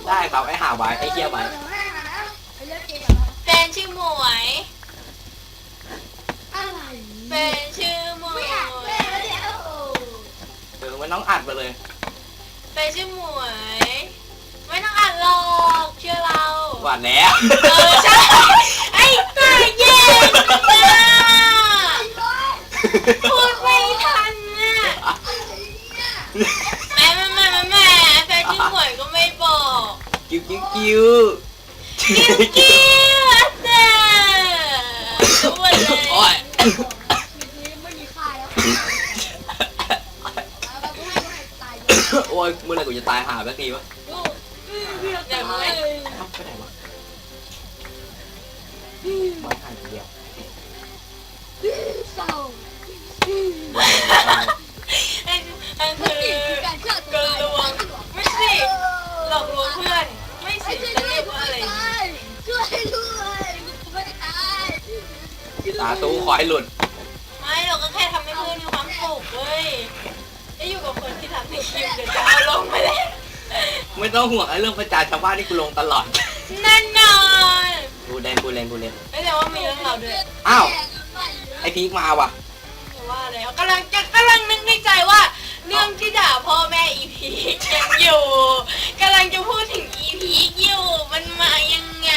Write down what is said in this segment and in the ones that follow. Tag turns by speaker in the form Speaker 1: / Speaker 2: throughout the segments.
Speaker 1: ได้ครับไอ้หาไว้ไอ้เหี้ยไว้
Speaker 2: แฟนชื่อหมวยแฟนชื่อหมวย
Speaker 1: มันต้องอัดไปเลย
Speaker 2: แฟนชื่อหมวยไม่ต้องอ่านหรอกเชื่อเรา
Speaker 1: หวานแล้ว
Speaker 2: ใช่ไอ้ตาเย็นพูดไม่ทันน่ะแม่แฟนชื่อหมวยก็ไม่บอก
Speaker 1: กิ้ว
Speaker 2: กิ้วเด้รู้หมดเลย
Speaker 1: โอ้ย
Speaker 3: ไม่มีค่าแล้ว
Speaker 1: โอ้ยเมื่อไหร่กูจะตายหาสักทีวะ
Speaker 2: เดี๋ยวไม่
Speaker 1: ไปไหนวะมาหาเดียว
Speaker 3: เศร้า
Speaker 2: อันคือ
Speaker 3: การเชื่อ
Speaker 2: กลวงไม่สิหลอกลวงเพื่อนไม่สิจะเรียกว่าอะไร
Speaker 3: ช่วยด้วยไม่ตาย
Speaker 1: ตาตู้ขอให้หลุด
Speaker 2: ไม่เราก็แค่ทำให้เพื่อนมีความสุขเว้ยได้อยู่กับคนที่ทำให้คลิปเดี๋ยวจะเอาลงไปเลย
Speaker 1: ไม่ต้องห่วงไอ้เรื่องประจานชาวบ้านที่กูลงตลอด
Speaker 2: แน่นอน
Speaker 1: กูเล่น
Speaker 2: ไม่แต่ว่ามีเรื่องเราด้วย
Speaker 1: อ้าวไอ้พีคมาว่ะ
Speaker 2: แต่ว่าแล้วกำลังนึกในใจว่าเรื่องที่ด่าพ่อแม่อีพียังอยู่กำลังจะพูดถึงอีพีอยู่มันมายังไง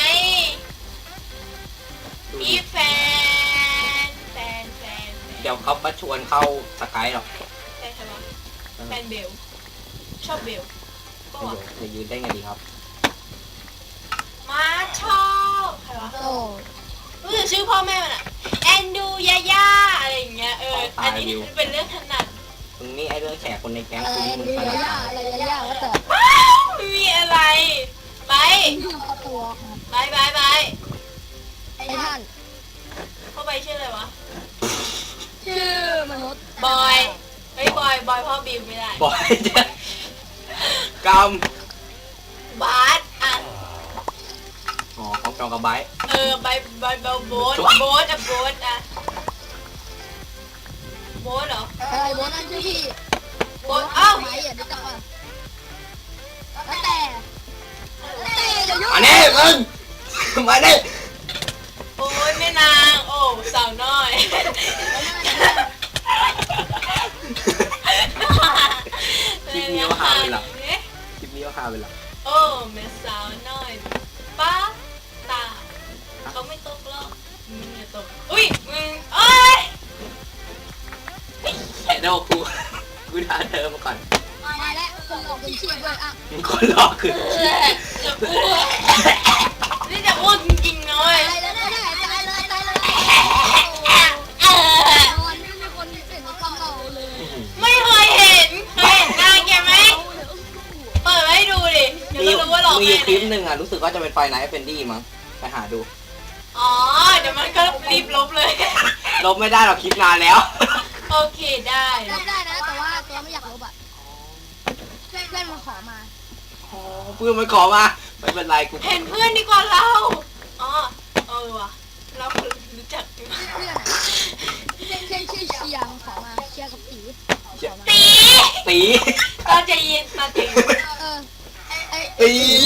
Speaker 2: มีแฟน
Speaker 1: เดี๋ยวเขามาชวนเข้าสกายหรอก
Speaker 2: แฟนใครวะแฟนเบลชอบเบลก็วะ
Speaker 1: จะยืนได้ไงดีครับ
Speaker 2: มาชอบใครวะ
Speaker 3: โอ้
Speaker 2: รู้จักชื่อพ่อแม่มันอะแอนดูยาย่าอะไรอย่างเงี้ยอันนี้เป็นเรื่องถนัด
Speaker 1: มึงนี่ไอ้เรื่องแฉคนในแก๊ง
Speaker 3: อะไร
Speaker 1: กูนี่มึง
Speaker 3: ดู
Speaker 1: ขนาด
Speaker 3: ยา
Speaker 1: ไหน
Speaker 3: อะไรยาว่าแต่
Speaker 2: ไม่มีอะไรไป
Speaker 3: ตัว
Speaker 2: ไป
Speaker 3: ไอ้ท่าน
Speaker 2: เข้าไปชื่ออะไรวะ
Speaker 3: ชื่อมนุษย์
Speaker 2: บอยเฮ้ยบอยพ่อบิวไม่ได้
Speaker 1: บอยจะก
Speaker 2: บาสอ่ะ
Speaker 1: ำอ๋อของจองกับไบร์ท
Speaker 2: ใบโบ๊ทอ่ะโบ๊ทเหรอ
Speaker 3: อะไรโบนั่นชื่อพี่
Speaker 2: โบ๊ทเอ้า
Speaker 3: ไหมอ่ะดูจังว่าแล้วแต่จะยุ่ง
Speaker 1: อันนี้มึงมาดิ
Speaker 2: โอ้ยแม่นางโอ้สาวน้อย
Speaker 1: คลิปนี้ว่าฮาไปหรอคลิปนี้ว่าฮาไปหรอ
Speaker 2: โอ้แม่สาวน้อยป้าตาเขาไม่ตกหรอกมึงอย่าตกอุ้ยมึงเอ้ย
Speaker 1: แค่โดกูด่าเธอมาก่อน
Speaker 3: มาแล้วคนหลอกเป็นชีพด้วยอ่ะ
Speaker 1: มึงคนหลอกคือ
Speaker 2: จะอ้วกนี่จะอ้วกจริงๆนะเว้ย
Speaker 3: ตายเลยตายเลยนอนไม่มีคนเห็นความเราเลย
Speaker 2: ไม่เคยเห็นหน้าแกไหมเปิดไว้ให้ดูดิเดี๋ยว
Speaker 1: มี
Speaker 2: ก็รู้ว่าหลอก
Speaker 1: มี
Speaker 2: แม่
Speaker 1: คลิปหนึ่งอ่ะรู้สึกว่าจะเป็นไฟไนท์เฟนดี้มั้งไปหาดู
Speaker 2: อ๋อเดี๋ยวมันก็รีบลบเลย
Speaker 1: ลบไม่ได้หรอกคลิปนานแล้ว
Speaker 2: โอเคได้
Speaker 3: ลบได้นะแต่ว่าตัวไม่อยากลบอ่ะเพื่อนมาขอมา
Speaker 1: อ๋อเพื่อนมันขอมาไม่เป็นไรกู
Speaker 2: เห็นเพื่อนดีกว่าเราอ๋อว่ะเรารู้จัก
Speaker 3: เพื่อนชื่อเชียงขอมาเชียร์กับตีขอมา
Speaker 2: ตี
Speaker 1: ตี
Speaker 2: ตอนใจเย็นตอนใจเย็น
Speaker 3: ไอ้
Speaker 1: ตี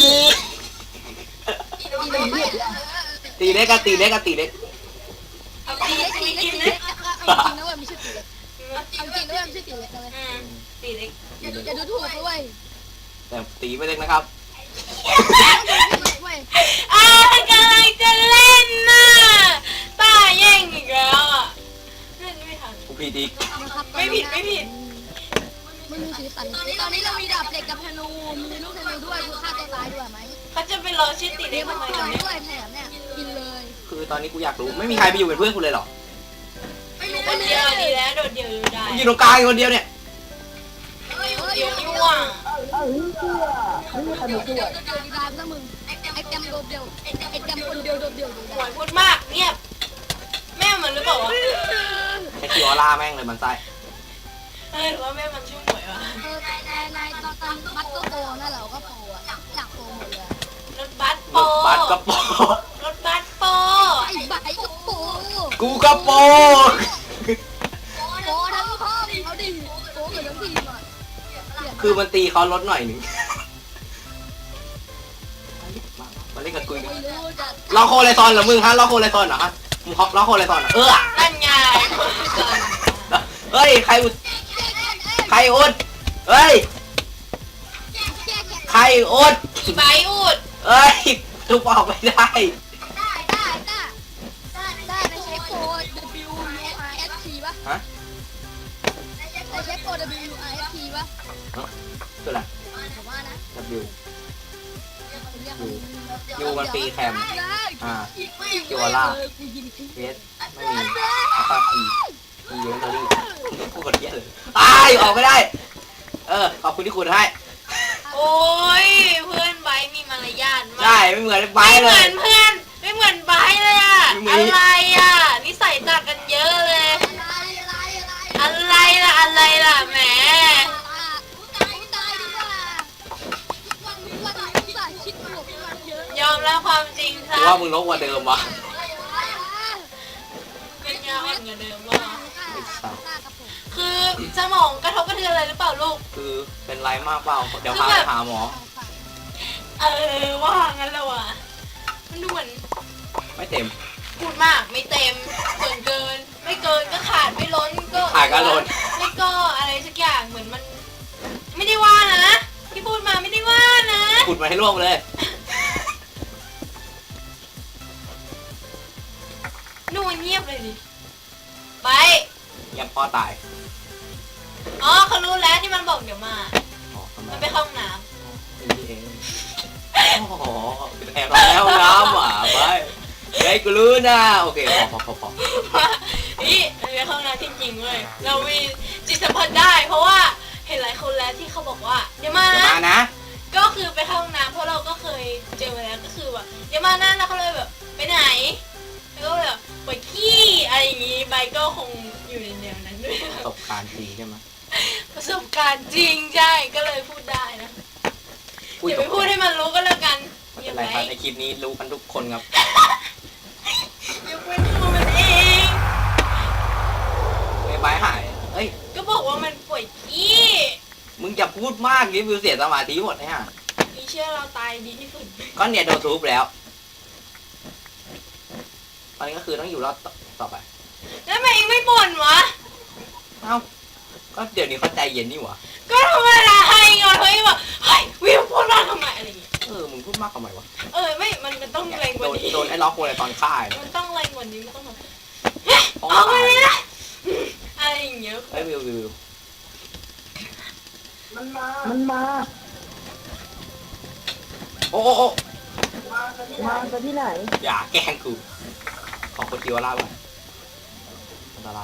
Speaker 3: ตีเล็ก
Speaker 1: ตีเล็กกับตีเล็ก
Speaker 2: เอาตี
Speaker 3: ตี
Speaker 2: ตี
Speaker 3: เล็ก
Speaker 2: กิน
Speaker 3: ตี
Speaker 2: นะ
Speaker 3: เล็กเอาจริงนะเว้ยไม่ใช่ตีเล็กเอาจริงนะเว้ยไม่ใช่ตีเล็กนะเว้ย
Speaker 2: ตีเล็ก
Speaker 3: อย่าดูถูกด้วย
Speaker 1: แต่ตีไม่เล็กนะครับ
Speaker 3: เว้ย
Speaker 2: กำลังจะเล่นน่ะป้าแย่งอีกแล้วอ่ะเล่นไม่ทัน
Speaker 1: กูผิดอีก
Speaker 2: ไม่ผิด
Speaker 3: ไม่มีสีสันตอนนี้เรามีดาบเหล็กกับธนูมีลูกธนูด้วยคือฆ่าตัวตายด้วยไหม
Speaker 2: เขาจะไปรอชื่อตี
Speaker 3: เดี๋
Speaker 2: เล็
Speaker 3: ย
Speaker 2: ก
Speaker 3: วมัน
Speaker 2: ทำไม
Speaker 3: ตาย
Speaker 2: เนี่ย
Speaker 3: ด้วยแถมเนี่ยกินเลย
Speaker 1: คือตอนนี้กูอยากรู้ไม่มีใครไปอยู่เป็นเพื่อนกูเลยเหรอ
Speaker 2: คนเดียวดีแล้วโดดเดี่ยวอยู่ได้
Speaker 1: กูอยู่ตรงกลางคนเดียวเนี่ย
Speaker 2: เดี๋ยวนี่ว่ะ
Speaker 3: เดี๋ยวดีดามนะมึงไอ้แกมโดดเดียวไอ้แกมคนเดียวโดดเดียว
Speaker 2: หวยพูดมากเงียบแม่มันหรือเปล่าวะ
Speaker 1: แค่คิวออร่าแม่งเลยมันไส้
Speaker 2: หรือว่าแม่มันชื่อหวย วะ
Speaker 3: นายตอนมัดก็โตนั่นเราก็โตอ่ะอยากโตหมดเลย
Speaker 2: รถบัส
Speaker 1: ร
Speaker 2: โป
Speaker 1: ถบัสกระโปรง
Speaker 2: รถบัสโป
Speaker 3: ไอ้ใบก็โต
Speaker 1: กูกระโปรง
Speaker 3: โตทั้งห้องเขาดิโตเหมือนทั้งทีมอ่ะ
Speaker 1: คือมันตีเขาลดหน่อยหนึ่งเล่นกับกูอีก
Speaker 3: ไม่รู้จะ
Speaker 1: ล็อกโคเลซอนเหรอมึงฮะล็อกโคเลซอนเหรอฮะมึงล็อกโคเลซอนเหรอ
Speaker 2: นั่นไง
Speaker 1: เฮ้ยใครอุดใครอุดเฮ้ยใครอุด
Speaker 2: อีใบอุด
Speaker 1: เฮ้ยทุบออกไม่ได้
Speaker 3: ได้ในเช็คโค้ด WURFT ป่ะ
Speaker 1: ฮะ
Speaker 3: ในเช็คโค้ด WURFT ป่ะ
Speaker 1: คืออะไร
Speaker 3: ผมว่านะ
Speaker 1: W
Speaker 3: เรียก
Speaker 1: ยูมันปีแคม อ่า
Speaker 3: คิวล่า
Speaker 1: เวสไม่มีอัลฟาอีมีเยอะเลยพูดคนเยอะเลยตายออกไม่ได้ ขอบคุณที่คุณให้
Speaker 2: โอ้ยเพื่อนใบมีมารยาทมาก
Speaker 1: ใช่ไม่เหมือนไบ
Speaker 2: ไม่
Speaker 1: ร์ท
Speaker 2: เห
Speaker 1: เล
Speaker 2: มือย นเพื่อนไม่เหมือนใบเลยอะ
Speaker 1: ไม่เหมือน
Speaker 2: อะไรอะนิสัยต่างกันเยอะเลย อะไรล่ะแหม
Speaker 3: ตายดีกว่าวันคิดบวกกันเยอะ
Speaker 2: ยอมรับความจริง
Speaker 1: ห
Speaker 2: ซะ
Speaker 1: รือว่ามึงลบกว่าเดิมวะ
Speaker 2: เป็นยาอ่อนกว่าเดิมวะ
Speaker 1: ไม่ทราบ
Speaker 2: คือสมองกระทบกระเทือนอะไรหรือเปล่าลูก
Speaker 1: คือเป็นไรมากเปล่าเดี๋ยวพาไปหาหมอ
Speaker 2: ว่างั้นแล้วอ่ะมันดูเหมือน
Speaker 1: ไม่เต็ม
Speaker 2: พูดมากไม่เต็มเกินไม่เกินก็ขาดไม่ล้นก็
Speaker 1: ขาดก็ล้น
Speaker 2: ไม่ก็อะไรสักอย่างเหมือนมัน ไม่ได้ว่านะที่พูดมาไม่ได้ว่านะ
Speaker 1: ขุดมาให้ร่วงเลย
Speaker 2: ดูมันเงียบเลยดิไป
Speaker 1: ยังพ่อตาย
Speaker 2: อ๋อเขารู้แล้วที่มันบอกเดี๋ยวมา
Speaker 1: อ๋อทำไม
Speaker 2: มันไปเข้าห้องน้
Speaker 1: นี่เองโอ้โหเป็นแอบเราแล้วน้ำอ่ะไปเฮ้ยกูรู้นะโอเคพอ
Speaker 2: ำนี่มันไปเข้าห้องน้ำจริงๆเว้ยเรามีจิตสัมผัสได้ เพราะว่าเห็นหลายคนแล้วที่เขาบอกว่าเดี๋ยวมา
Speaker 1: จะมานะ
Speaker 2: ก็คือไปเข้าห้องน้ำเพราะเราก็เคยเจอมาแล้วก็คือแบบเดี๋ยวมานั่นแล้วเขาเลยแบบไปไหนแล้วก็แบบไปขี้อะไรอย่างงี้ใบก็คงอยู่ในแนวนั้นด้วย
Speaker 1: ประสบการณ์จริงใช่ไหม
Speaker 2: ประสบการณ์จริงใช่ก็เลยพูดได้นะอย่าไปพูดให้มันรู้ก็แล้วกัน
Speaker 1: ไม่
Speaker 2: อย่า
Speaker 1: เป็น
Speaker 2: ไป
Speaker 1: ไรครับในคลิปนี้รู้กันทุกคนครับ
Speaker 2: อย่าเป็นตัวมันเอง
Speaker 1: ไอ้ใบหายเอ้ย
Speaker 2: ก็บอกว่ามันป่วยขี้
Speaker 1: มึงอย่าพูดมากนี่วิวเสียสมาธิหมดนะฮะ
Speaker 2: มีเชื่อเราตายดีที่สุด
Speaker 1: ก็เนี่ยโดนทุบแล้วตอนนี้ก็คือต้องอยู่รอดต่อไป
Speaker 2: แล้วทำไมเองไม่บ่นวะ
Speaker 1: เอ้าก็เดี๋ยวนี้เขาใจเย็นนี่หว่า
Speaker 2: ก็ธรรมดาให้ไงเฮ้ยแบบเฮ้ยวิวพูดมากทำไมอะไรอย่างเงี้ย
Speaker 1: มึงพูดมากทำไมวะ
Speaker 2: ไม่มันต้องแรงก
Speaker 1: โด
Speaker 2: ว่าน นี้
Speaker 1: โดนไอ้ล็อกโวยตอนฆ่าเนี่ย
Speaker 2: มันต้องแรงกว่านี้มันต้องแบบ
Speaker 1: ท้อง
Speaker 2: ออกมา
Speaker 1: ตาย
Speaker 2: เลยนะอะไรอย่างเงี้ย
Speaker 1: เฮ้ยวิว
Speaker 4: มันมา
Speaker 1: โอ้
Speaker 4: มาจากที่ไหน
Speaker 1: อย่าแกล้งกูขอคนเดียวล่าไปอันตราย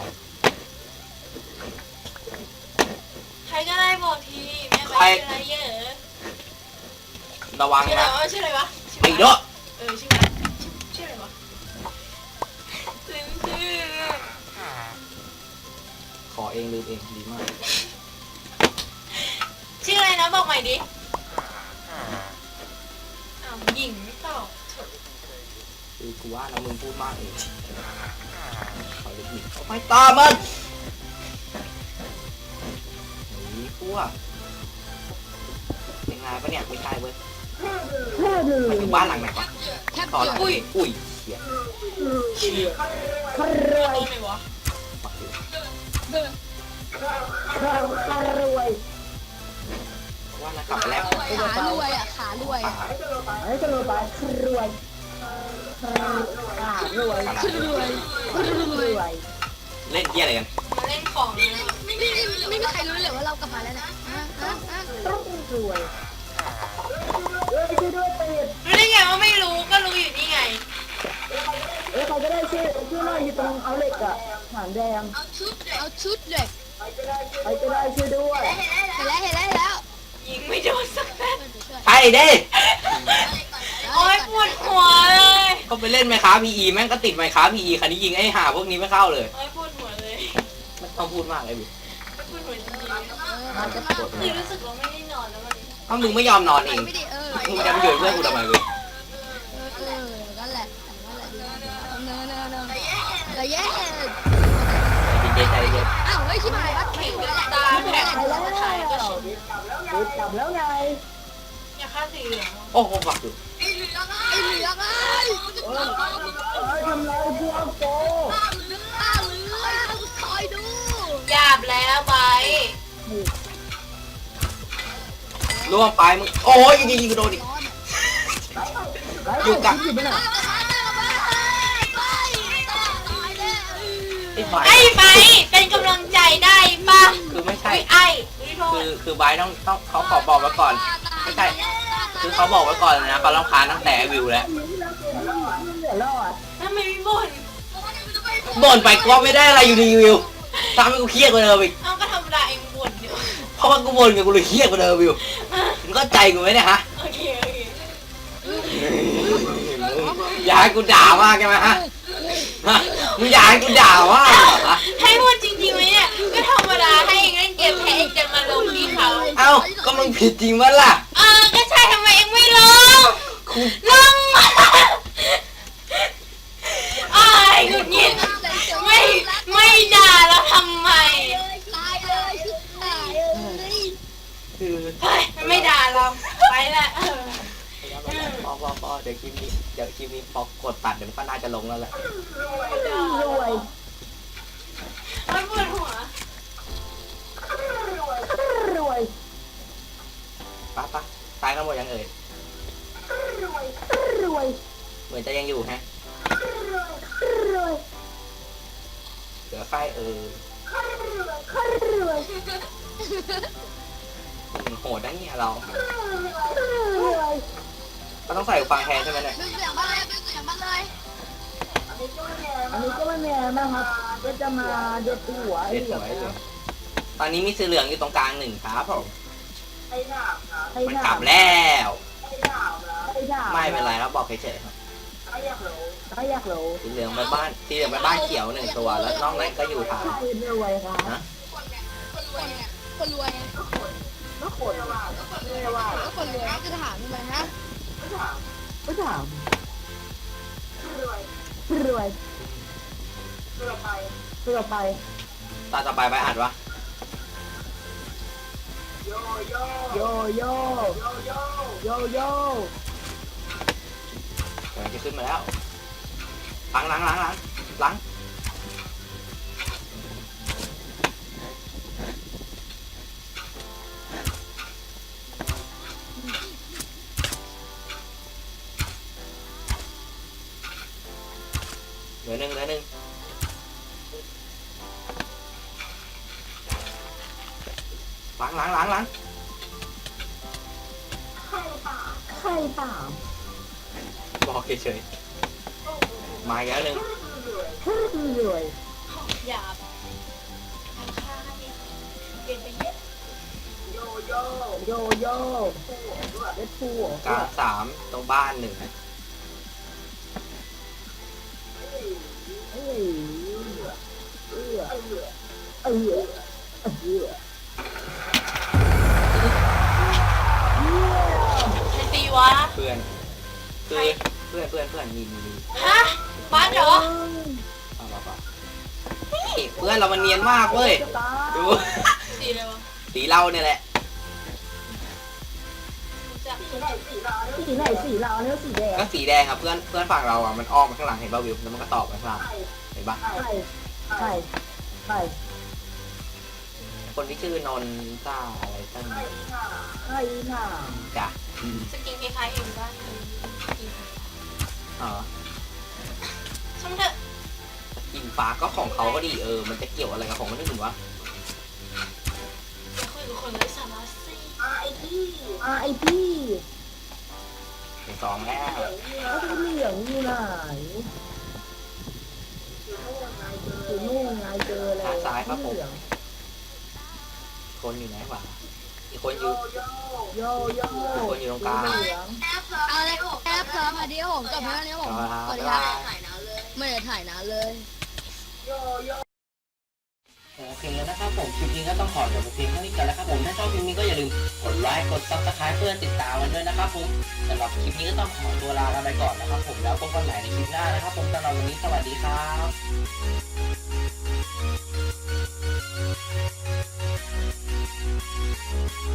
Speaker 2: ใครก็ได้บอกทีแม่ไปชื่ออะไรเยอะ
Speaker 1: ระวัง
Speaker 2: ชื่ออะไร
Speaker 1: นะ
Speaker 2: วะชื่ออะไรวะ
Speaker 1: ไอ้เด้อ
Speaker 2: ชื่ออะไรชื่ออะไรวะลืมชื่อ
Speaker 1: ขอเองลืมเองดีมาก
Speaker 2: ชื่ออะไรนะบอกใหม่ดิหญิงไม่ตอบ
Speaker 1: คือกูว่านะมึงพูดมากเองขอเล็กนิดเอาไปตามมันหนีพวกเป็นไงปะเนี่ยไม่ใช่เว้ย
Speaker 4: แค่ดู
Speaker 1: มันอยู่บ้านหลังไหนวะ
Speaker 3: แคป
Speaker 1: ต่อ
Speaker 3: เจ
Speaker 1: ห
Speaker 3: อ
Speaker 1: ลัง
Speaker 3: ร์
Speaker 1: อุ้ยเหี้ย
Speaker 4: ครวย
Speaker 2: ไหนวะ
Speaker 1: ปักอยู่
Speaker 4: ครวย
Speaker 1: ว่านะกลับไปแล้ว
Speaker 3: ขารวยอ่ะขารวย
Speaker 1: ป่า
Speaker 4: ไอ้กระโดดไปครวยรวย
Speaker 3: คือรวย
Speaker 4: รวย
Speaker 1: เล่นเหี้ยอะไรกัน
Speaker 2: มาเล่นของนะ
Speaker 3: ไม่มีใครรู้เลยว่าเรากลับมาแล้วนะ
Speaker 4: ต้องรวยช่วยด้วยเป็ด
Speaker 2: รู้ได้ไงว่าไม่รู้ก็รู้อยู่นี่ไง
Speaker 4: ใครก็ได้ช่วยหน่อยอยู่ตรงเอาเหล็กอะหางแดง
Speaker 3: เอาชุดเลย
Speaker 4: ใครก็ได้ช่วยด้วย
Speaker 3: เห็นแล้ว
Speaker 2: ยิงไม่โดนสักนัด
Speaker 1: ใช่ดิ
Speaker 2: โอ๊ยปวดหัวเลย
Speaker 1: ก็ไปเล่นไมค้าพีอีแม่งก็ติดไมค้าพีอีคันนี้ยิงไอ้ห่าพวกนี้ไม่เข้าเลย
Speaker 2: โอ๊ยปวดหัวเลย
Speaker 1: ไม่ต้องพูดมากเลยบิ
Speaker 2: ปวดหัวจริง
Speaker 3: มันจะมา
Speaker 2: ๆคือรู้สึกว่าไม่ได้นอนแล้ววันนี้
Speaker 1: ถ้ามึงไม่ยอมนอนเอง
Speaker 3: ไม่ดี
Speaker 1: มึงจะมาอยู่เพื่อนกูทำไมเว้ย
Speaker 3: นั่นแหละเนอะแย่
Speaker 1: ใจเย็น
Speaker 3: อ้าวเฮ้ยชิบหายบัตร
Speaker 2: เห็
Speaker 3: คิ
Speaker 2: น
Speaker 3: ว
Speaker 2: เป็น
Speaker 3: แล้ว
Speaker 2: ตาแผล
Speaker 4: ไปแล้ว
Speaker 2: ถ่ายก็ชิน
Speaker 4: กลับแล้วไง
Speaker 2: อย่าฆ่าสีเหลือง
Speaker 1: โอ้โหฝักอยู่
Speaker 2: เ
Speaker 3: ไอ้เหลืองไอ้
Speaker 4: ทำไรพวกโก
Speaker 3: ข้าเหลืองคอยดู
Speaker 2: หยาบแล้วไป
Speaker 1: ล่วงไปมึงโอ้ยยิงกูโดนอีก อยู่กับ
Speaker 4: อยู่ไปไหน
Speaker 1: ไอ้ไบ
Speaker 2: ไอ้ไปเป็นกำลังใจได้ป่ะ
Speaker 1: คือไม่ใช่
Speaker 2: ไอ้อุ้ยโทษ
Speaker 1: คือไบร์ทต้องเขาขอบอกไว้ก่อน ไม่ใช่ คือเขาบอกไว้ก่อนเลยนะเขารำคาญตั้งแต่วิวแล้ว
Speaker 4: เหลือรอด
Speaker 2: ทำไมไม่บ่น
Speaker 1: บ่นไปก็ไม่ได้อะไรอยู่ดีวิวทำให้กูเครียดกว่าเดิมอีก
Speaker 2: เอ้าก็ธรรมดาเองบ่นอยู่
Speaker 1: เพราะว่ากูบ่นกับกูเลยเครียดกว่าเดิมวิวมึงก็ใจกูไหมเนี่ยฮะ
Speaker 2: โอเค
Speaker 1: อยากให้กูด่ามากใช่ไหมฮะมึงอยากให้กูด่ามากเหรอฮะ
Speaker 2: ให้พูดจริงๆไหมเนี่ยก็ธรรมดาให้เองเล่นเกมแพ้เองจะมาลงที่เขา
Speaker 1: เอ้าก็มึงผิดจริงวะล่ะ
Speaker 2: ก็ใช่ทำไมเองไม่ลง
Speaker 1: กู
Speaker 2: ลงมาอ้ายหงุดหงิดไม่ด่าแล้วทำไม
Speaker 3: ตายเลยชิบหายเลย
Speaker 1: คือ
Speaker 2: เฮ้ยมันไม่ด่าเราไปละ
Speaker 1: พอเดี๋ยวคลิปนี้พอกดตัดเดี๋ยวมันก็น่าจะลงแล้วแหละ
Speaker 4: รวย
Speaker 2: มันปวดหัว
Speaker 4: รวย
Speaker 1: ปะตายกันหมดยังเอ่ย
Speaker 4: รวย
Speaker 1: เหมือนจะยังอยู่ฮะ
Speaker 4: รวย
Speaker 1: เหลือไฟ
Speaker 4: รวย
Speaker 1: โหดนะเนี่ยเรา
Speaker 4: รวย
Speaker 1: ก็ต้องใส่หูฟังแทนใช่ไหมเนี่ย
Speaker 3: ดึงเสียงบ้านเลยดึงเสียงบ้านเลย
Speaker 4: อันนี้ก็ไม่แน่นะครับก็จะมาเด็ดหัว
Speaker 1: เด็ดหวยเลยตอนนี้มีสีเหลืองอยู่ตรงกลางหนึ่งครับผมมันกลับแล้ว ไม่เป็นไรครับบอกเฉยๆครับ
Speaker 4: ไม่อยากรู้
Speaker 1: สีเหลืองไปบ้านเขียวหนึ่งตัวแล้วนอกนั้นก็อยู่ฐาน
Speaker 4: ใครรวยครับ
Speaker 1: นะ
Speaker 3: คนรวยไง
Speaker 4: ก็คนรวยว่า
Speaker 3: ก็คนรวยจะถามทำไมฮะ
Speaker 4: ก็ถามรวยเพื่อไป
Speaker 1: ตอนต่อไปไปอัดวะ
Speaker 4: โยโย่โยโย่
Speaker 1: เดี๋ยวจะขึ้นมาแล้วหลังเหลือหนึ่งหลัง
Speaker 4: ใครตาม
Speaker 1: บอกเฉยๆมาอีกแล้วหนึ่ง
Speaker 4: รวย
Speaker 2: หยาบค่าเปลี่ยนไปเยอะ
Speaker 4: โยโย่เด็ดผู้
Speaker 1: กลางสามตรงบ้านหนึ่ง
Speaker 2: ใครตีวะ
Speaker 1: เพื่อนมี
Speaker 2: ฮะบ้านเหรอ
Speaker 1: ป่ะนี่เพื่อนเรามันเนียนมากเว้ยดู
Speaker 2: สีอะไรวะ
Speaker 1: สีเราเนี่ยแหละ
Speaker 2: จาก
Speaker 4: สีไหนสีเราเนี่ยสีแดง
Speaker 1: ก็สีแดงครับเพื่อนฝั่งเราอ่ะมันอ้อมมาข้างหลังเห็นป่ะวิวแล้วมันก็ตอบไปข้างหลังเห็นป่ะ
Speaker 4: ใช่
Speaker 1: คนที่ชื่อนนต้าอะไรตั้ง
Speaker 4: ใช่น่ะ
Speaker 1: จ้ะ
Speaker 2: สกินคล้ายๆเองบ้านกิน
Speaker 1: อ๋อ
Speaker 2: ช่างเถอะ
Speaker 1: กินฟ้าก็ของเขาก็ดีมันจะเกี่ยวอะไรกับของคนอื่นวะ
Speaker 2: จะคุยกับคนไร้สาระสิ
Speaker 4: ไอพี่
Speaker 1: ถึงสองแล้ว
Speaker 4: แล้วเหลืองอยู่ไหนอยู่นู่นไงเจอเลย
Speaker 1: คนอยู่ไหนวะอีกคนอยู่
Speaker 4: โย
Speaker 1: คนอยู่ตรงกลาง
Speaker 3: เอาเลยแอปเพิ่มมาดิผมจบแล้วนี่ผมสวัสดีครับไม่ได้ถ่ายนานเลย
Speaker 1: โอเคแล้วนะครับผมคลิปนี้ก็ต้องขอจบเพียงเท่านี้กันแล้วครับผมถ้าชอบคลิปนี้ก็อย่าลืมกดไลค์กดซับสไครป์เพื่อติดตามกันด้วยนะครับผมสำหรับคลิปนี้ก็ต้องขอตัวลากันไปก่อนนะครับผมแล้วพบกันใหม่ในคลิปหน้านะครับผมสำหรับวันนี้สวัสดีครับ